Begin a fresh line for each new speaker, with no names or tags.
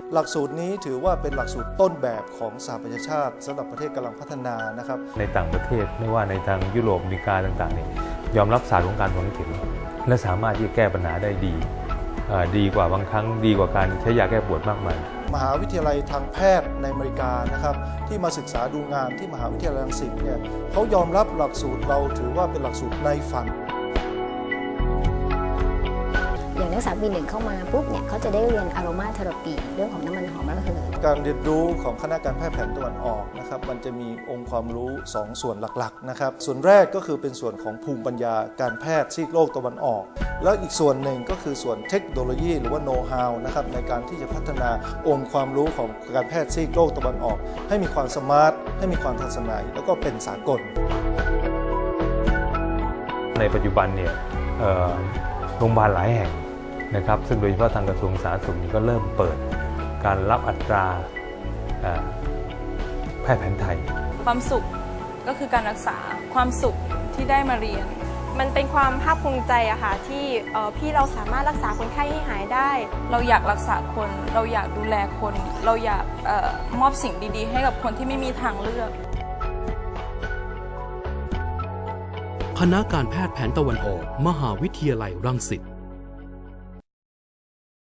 หลักสูตรนี้ถือว่าเป็นหลักสูตรต้นแบบของสหประชาชาติสำหรับประเทศกำลังพัฒนานะครับ
ในต่างประเทศไม่ว่าในทางยุโรปอเมริกาต่างๆเนี่ยยอมรับศาสตร์ของการฝังเข็มและสามารถที่จะแก้ปัญหาได้ดีกว่าบางครั้งดีกว่าการใช้ยาแก้ปวดมากมาย
มหาวิทยาลัยทางแพทย์ในอเมริกานะครับที่มาศึกษาดูงานที่มหาวิทยาลัยรังสิตเนี่ยเขายอมรับหลักสูตรเราถือว่าเป็นหลักสูตรในฝัน
อย่างนักศึกษาปี 1เข้ามาปุ๊บเนี่ยเขาจะได้เรียนอโรมาเทอราปีเรื่องของน้ำมันหอมระเหย
การเรียนรู้ของคณะการแพทย์แผนตะวันออกนะครับมันจะมีองค์ความรู้2ส่วนหลักๆนะครับส่วนแรกก็คือเป็นส่วนของภูมิปัญญาการแพทย์ซีกโลกตะวันออกแล้วอีกส่วนหนึ่งก็คือส่วนเทคโนโลยีหรือว่าโน้ตฮาวนะครับในการที่จะพัฒนาองค์ความรู้ของการแพทย์ซีกโลกตะวันออกให้มีความสมาร์ทให้มีความทันสมัยแล้วก็เป็นสากล
ในปัจจุบันเนี่ยโรงพยาบาลหลายแห่งนะครับซึ่งโดยเฉพาะทางกระทรวงสาธารณสุขก็เริ่มเปิดการรับอัตราแพทย์แผนไทย
ความสุขก็คือการรักษาความสุขที่ได้มาเรียน
มันเป็นความภาคภูมิใจอะค่ะที่พี่เราสามารถรักษาคนไข้ให้หายได้
เราอยากรักษาคนเราอยากดูแลคนเราอยากมอบสิ่งดีๆให้กับคนที่ไม่มีทางเลือก
คณะการแพทย์แผนตะวันออกมหาวิทยาลัยรังสิต